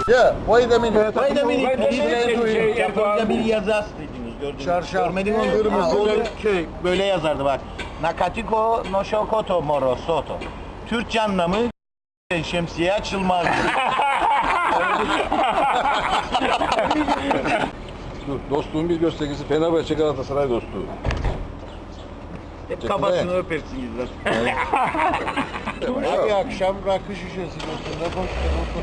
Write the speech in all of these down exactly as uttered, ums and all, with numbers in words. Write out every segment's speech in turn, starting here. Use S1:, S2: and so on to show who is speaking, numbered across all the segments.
S1: Yeah, wait a minute.
S2: Wait a minute.
S1: Explain to him.
S2: Japonca bir yazı dediniz, gördünüz.
S1: Çarşaf.
S2: Görmedin mi?
S1: Kırmızı
S2: Ha, o da
S1: köy.
S2: böyle yazardı bak. Nakatiko no shokoto moro soto. Türkçe anlamı şemsiye açılmaz.
S3: Dostluğun bir göstergesi Fenerbahçe Galatasaray dostluğu.
S2: Hep kafasını öpersiniz zaten.
S1: Abi akşam rakı şişesi götürde boş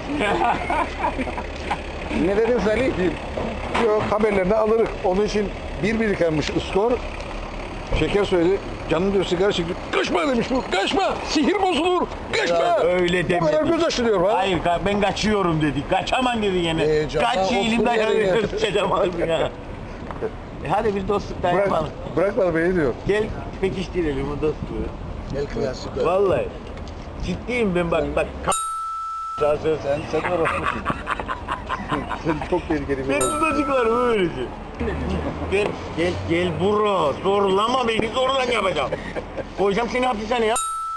S3: Ne dedin Salih? Yok, haberlerini alırız. Onun için bir birikenmiş skor. Şeker söyledi. Canım diyor sigara çekti. Kaçma demiş bu. Kaçma. Sihir bozulur. Kaçma.
S2: Ya öyle
S3: Bu kadar
S2: demedi.
S3: göz açılıyor ha.
S2: Hayır ben kaçıyorum dedi. Kaçamam dedi yine.
S1: Ee, canım,
S2: Kaç
S1: otur
S2: elimden
S1: yerine.
S2: kaçamazsın ya. E hadi biz dostluk da
S3: Bırak,
S2: yapalım.
S3: bırakmadı beni diyor.
S2: Gel pekiştirelim o dostluğu.
S1: El klasik.
S2: Vallahi. Ciddiyim ben bak bak. Sen
S3: Sen, sen orospusun. Sen çok tehlikeli bir
S2: ben
S3: adam.
S2: tutacıklarım öylece. Gel gel gel bro. Zorlama beni zorla yapacağım. Koyacağım seni hapishaneye.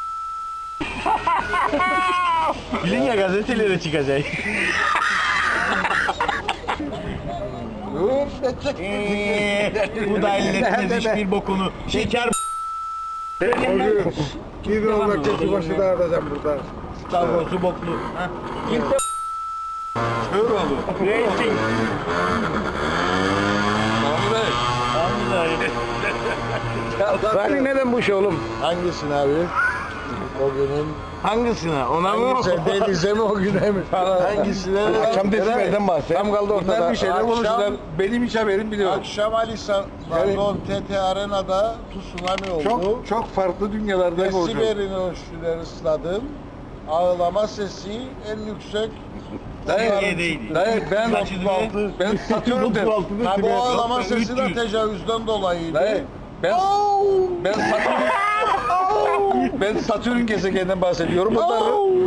S2: Bilin ya gazetelere çıkacak. Eee, bu da elletmez hiçbir bokunu. Şeker
S3: Bir olmak için başı dağıtacağım burada.
S2: Stavrosu boklu. İlk de kör oldu. Racing.
S3: Salih neden bu iş oğlum?
S1: Hangisini abi? O günün
S2: Hangisine? Ona mı?
S1: hangisi? Denize mi o güne mi? Hangisine?
S3: Akşam desibelden bahset. Tam kaldı ortada.
S1: Bunlar
S3: Bir şeyler
S1: akşam-
S3: konuştular. Benim hiç haberim biliyor.
S1: Akşam Ali San, pardon, T T Arena'da tsunami oldu.
S3: Çok çok farklı dünyalarda konuşuyor.
S1: Desiberin ölçüleri ısladım. Ağlama sesi en yüksek.
S2: Dayı değil.
S3: Dayı ben
S2: Kaçıncı?
S3: ben Satürn'de.
S1: Ha, bu ağlama sesi de tecavüzden dolayıydı.
S3: Dayı ben ben Satürn ben Satürn gezegeninden bahsediyorum. Bunlar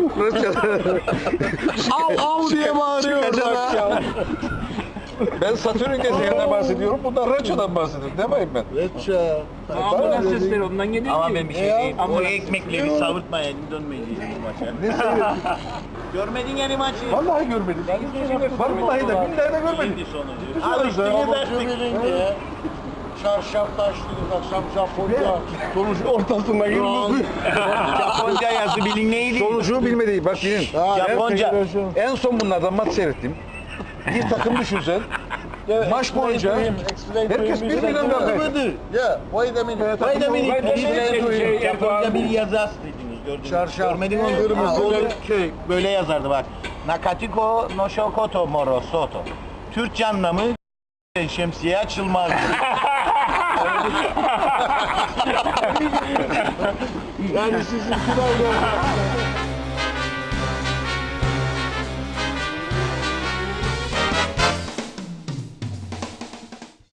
S1: Av av diye bağırıyor orada.
S3: Ben Satürn gezegeninden bahsediyorum. Bunlar Reço'dan bahsediyor. Demeyin ben.
S1: Reça.
S4: Ambulans sesleri ondan geliyor
S2: Ama
S4: ki.
S2: ben bir şey
S1: Ya,
S2: diyeyim. O
S4: ambulans
S2: ekmekleri savurtmayın, dönmeyin maça.
S3: Ne söylüyorsun?
S2: Görmedin yani maçı.
S3: Vallahi görmedim. Vallahi de billahi de görmedim.
S2: Şimdi sonucu.
S3: Abi,
S2: Alıştınız
S1: Avucu
S2: artık.
S1: birinde ya. Çarşaf taşlıyız akşam Japonca.
S3: Sonuç ortasında yıldızı.
S2: Japonca yazı bilin neydi?
S3: Sonucu bilmediği bak yine.
S1: Ha,
S2: Japonca.
S3: En son bunlardan maç seyrettim. Bir takım düşünsen. Maç boyunca herkes birbirinden dalga.
S1: Yeah, wait a minute.
S2: Wait a minute.
S4: Explain to him.
S2: Japonca bir yazı dediniz, gördünüz.
S1: Çarşaf.
S2: Görmedin mi?
S1: Kırmızı
S2: Ha, o da
S1: köy.
S2: böyle yazardı bak. Nakatiko no shokoto moro soto. Türkçe anlamı şemsiye açılmaz.
S1: Yani sizin sırayla